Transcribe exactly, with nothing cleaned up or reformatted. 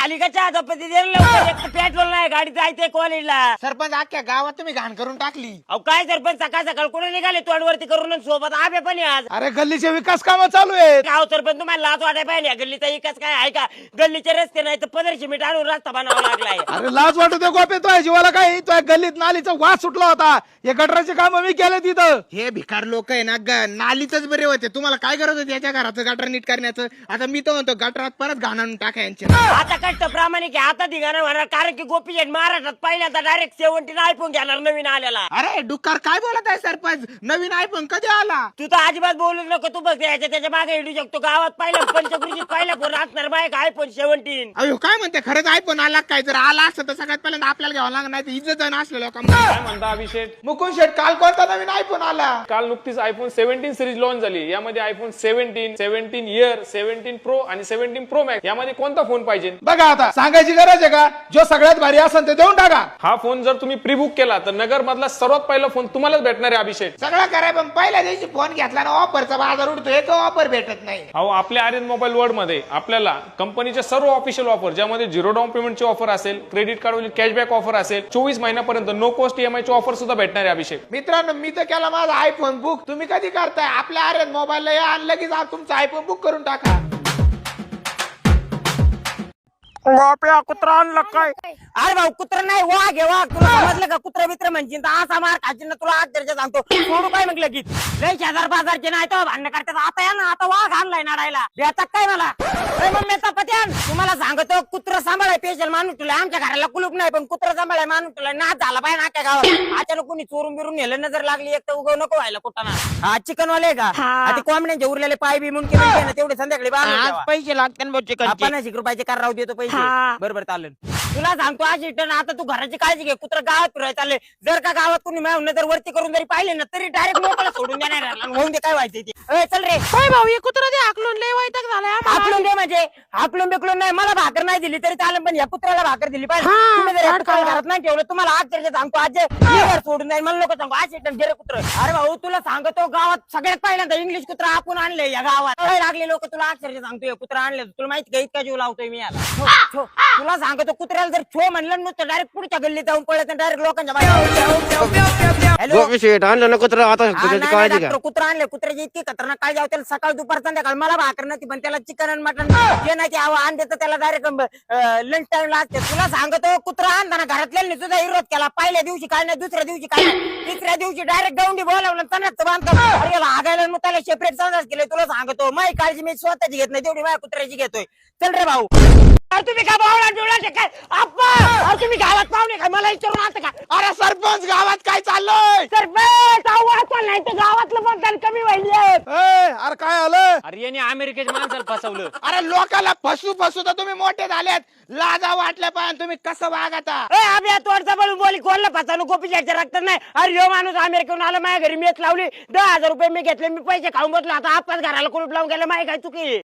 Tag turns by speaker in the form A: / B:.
A: झाली का चहा चपाती पेट्रोल नाही गाडी जायचंय कॉलेजला.
B: सरपंच अख्ख्या गावात तुम्ही घाण करून टाकली.
A: अहो काय सरपंच सकाळ सकाळ कुठे निघाले तोंडवरती करून सोबत आबे पण आहे आज.
C: अरे गल्लीचे विकास कामं चालू आहेत.
A: गाव सरपंच तुम्हाला लाज वाटाय पाहिजे गल्लीचा विकास काय आहे का? गल्लीचे रस्ते नाही तर पंधराशे मीटर आणून रस्ता बनावा लागलाय.
C: अरे लाज वाटू दे गोपे, तो जीवाला काय तो गल्लीत नालीचा वास सुटला होता. हे गटराचे काम मी केले तिथं.
B: हे भिकार लोक आहे ना ग- नालीतच बरे होते. तुम्हाला काय गरज होती याच्या घराचं गटर नीट करण्याचं? आता मी तर म्हणतो गटरात परत घाण आणून टाका यांचे.
A: आता कष्ट प्रामाणिक आहे, आता धिगाणा होणार कारण की गोपी शेट महाराष्ट्रात पहिल्यांदा डायरेक्ट सेव्हन्टीन आयफोन घेणार नवीन आलेला.
B: अरे डुक्कर काय बोलत आहे सरपंच? नवीन आयफोन कधी आला?
A: तू तर अजिबात बोलू नको. तू बघ याच्या त्याच्या मागे हिडू शकतो. गावात पहिला पंचकृषीत पहिला फोन असणार बाईक आयफोन सेव्हन्टीन.
B: अयो काय म्हणते खरंच आयफोन आला काय? जर आला असतं तर सगळ्यात पहिल्यांदा आपल्याला घ्यावं लागणार, नाही तर इज्जत जाणं असलं लोकांना.
D: काय म्हणता अभिषेक?
C: मुकुंद शेठ काल कोणता नवीन आयफोन आला?
D: काल नुकतीच आयफोन सेव्हन्टीन सिरीज लॉन्च झाली. यामध्ये iPhone seventeen, seventeen Air, seventeen pro आणि सेव्हन्टीन प्रो मॅक्स यामध्ये कोणता फोन पाहिजे?
C: बघा आता सांगायची गरज आहे का? जो सगळ्यात भारी असेल ते देऊन टाका.
D: हा फोन जर तुम्ही प्री बुक केला तर नगर मधला सर्वात पहिला फोन तुम्हालाच भेटणार आहे अभिषेक.
B: सगळं कराय पण पहिल्या दिवशी फोन घेतला ना ऑफरचा बाजार उडतो. एक ऑफर भेटत नाही.
D: अहो आपल्या आर्यन मोबाईल वर्ल्ड मध्ये आपल्याला कंपनीच्या सर्व ऑफिशियल ऑफर ज्यामध्ये झिरो डाऊन पेमेंटची ऑफर असेल, क्रेडिट कार्डवरील कॅशबॅक ऑफर असेल, चोवीस महिन्यापर्यंत नो कॉस्ट ईएमआय ची ऑफर सुद्धा भेटणार आहे अभिषेक.
B: मित्रांनो मी तर केला माझा आयफोन बुक. तुम्ही कधी करताय? आपल्या आर्यन मोबाईलला या आणलं की जा तुमचा आयफोन बुक करून टाका.
A: कुत्रा आणलं काय? अरे भाऊ कुत्रा नाही वाघ आहे वाघ. तुला समजलं का? कुत्रा मित्र म्हणजे असा मार खाची ना तुला अक्षरशः सांगतो. सोडू काय म्हटलं की लय शेजार बाजारचे नाही तर भांडण करतात. आता या ना आता वाघ आणलाय नाडायला याचा काय मला मम्मी पत्यान तुम्हाला सांगतो कुत्रा सांभाळाय पेशल माणूस तुला. आमच्या घराला कुलूप नाही पण कुत्रा सांभाळाय माणूस तुला नाच झाला पाहिजे ना. काय गावात अचानक कोणी चोरून बिरून नेलं नजर लागली एक तर उगव नको व्हायला कुठं ना. हा चिकन वाले का? ते कोंबड्यांचे उरलेले पाय बी मुंडके ना तेवढे संध्याकाळी बांधून
B: पैसे लागतात
A: पन्नास एक रुपयाचे कार राहू देतो पैसे. बरोबर चालेल. तुला सांगतो आज रिटर्न आता तू घराची काळजी घे. कुत्रा गावात फिरायला चालले. जर का गावात कोणी नजर वरती करून जरी पाहिले ना तरी डायरेक्ट मोकळा सोडून देणार. होऊन दे काय व्हायचं ते. चल रे
E: भाऊ हे कुत्रा दे हाकलून लय वैताग झालाय आम्हाला.
A: हाकलून दे म्हणजे हाकलून बिकलून नाही. मला भाकर नाही दिली तरी चालेल पण या कुत्र्याला भाकर दिली पाहिजे.
E: हा,
A: तुम्ही जर या
E: वाट
A: कुत्र्याला
E: करा.
A: घरात नाही ठेवलं तुम्हाला आज तरी सांगतो आज घर सोडून जाईल. मला लोक सांगतो आज रिटर्न गेले कुत्र. अरे भाऊ तुला सांगतो गावात सगळ्यात पहिल्यांदा इंग्लिश कुत्रा आपण आणले या गावात. लागले लोक तुला अक्षरशः सांगतो कुत्रा आणले. तुला माहिती का इतका जीव लावतोय मी याला. छो, छो. तुला सांगतो कुत्र्याला जर छो म्हणलं नुसतं डायरेक्ट पुढच्या गल्लीत जाऊन पळत डायरेक्ट लोकांच्या हॅलो
F: आणलं ना कुत्रा आता त्याची काळजी घ्या.
A: कुत्रा आणले. कुत्र्याची इतकी खतरनाक काळजी आहे त्याला सकाळ दुपार संध्याकाळ. मला भाकर नाही पण त्याला चिकन आणि मटन जे नाही ते आण देतं त्याला डायरेक्ट लंच टाइम लागते. तुला सांगतो कुत्रा आणताना घरातल्या सुद्धा विरोध केला. पहिल्या दिवशी काय नाही, दुसऱ्या दिवशी काय नाही, तिसऱ्या दिवशी डायरेक्ट गवंडी बोलावलं तणाच बांधतो. अरे हागायला मग त्याला सेपरेट संदास केले. तुला सांगतो माझी काळजी मी स्वतःची घेत नाही तेवढी माझ्या कुत्र्याची घेतोय. चल रे भाऊ. अरे तुम्ही काय बावळा डोळा काय आप्पा? अरे तुम्ही गावात पाहुणे काय मला विचारून आता का?
B: अरे सरपंच गावात काय चाललंय?
A: सरपंच आवाज नाही तर गावातलं मतदान कमी व्हायले.
C: अरे काय आलं?
A: अरे याने अमेरिकेच्या माणसाला फसवलं.
B: अरे लोकाला फसू फसू तर तुम्ही मोठे झालेत. लाजा वाटल्या पाहिजे तुम्ही कसं वागता?
A: अभ्या तोडचा बोलून बोली कोणला फसवलं गोपी शेटच्या रक्त नाही. अरे यो माणूस अमेरिकेहून आला माझ्या घरी मेच लावली. दहा हजार रुपये मी घेतले. मी पैसे खाऊन बसलो. आता आपाच घराला कुलूप लावून गेले. माही काय चुकी